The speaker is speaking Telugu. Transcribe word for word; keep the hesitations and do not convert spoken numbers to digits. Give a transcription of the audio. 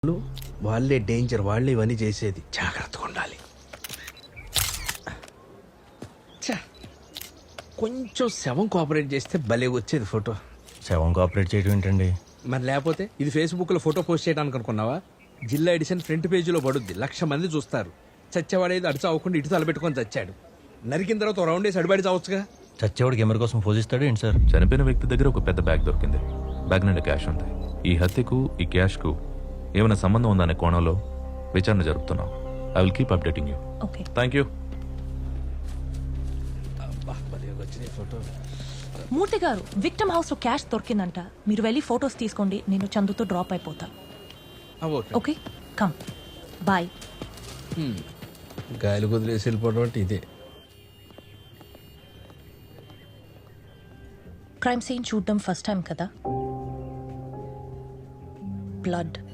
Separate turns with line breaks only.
వాళ్ళే డేంజర్, వాళ్ళే ఇవన్నీ చేసేది. జాగ్రత్తగా ఉండాలి. ఛ, కొంచెం శవం కోఆపరేట్ చేస్తే భలే వచ్చేది ఫోటో.
శవం కోఆపరేట్ చేయడం ఏంటండి?
మరి లేకపోతే ఇది ఫేస్బుక్లో ఫోటో పోస్ట్ చేయడానికి అనుకున్నావా? జిల్లా ఎడిషన్ ఫ్రంట్ పేజీలో పడుద్ది, లక్ష మంది చూస్తారు. చచ్చేవాడేది అడిచి అవ్వకుండా ఇటు తలపెట్టుకొని చచ్చాడు. నరికిన తర్వాత ఓ రౌండ్ వేసి అడిబడి చావచ్చుగా.
చచ్చేవాడికి ఎవరి కోసం పూజిస్తాడు ఏంటి సార్?
చనిపోయిన వ్యక్తి దగ్గర ఒక పెద్ద బ్యాగ్ దొరికింది. బ్యాగ్ నిండా క్యాష్ ఉంది. ఈ హత్యకు ఈ క్యాష్కు ఏమైనా సంబంధం ఉందనే కోణంలో విచారణ జరుపుతున్నాం. I will keep updating you.
Okay.
Thank you.
Photo
Murthy గారు, విక్టమ్ హౌస్ లో క్యాష్ దొరికిందంట. మీరు వెళ్ళి ఫొటోస్ తీసుకోండి, నేను చందుతో డ్రాప్ అయిపోతా. Okay, come bye.
గాయలు కుదిలేసి వెళ్ళిపోవడం అంటే ఇదే.
క్రైమ్ సీన్ చూడడం ఫస్ట్ టైం కదా. బ్లడ్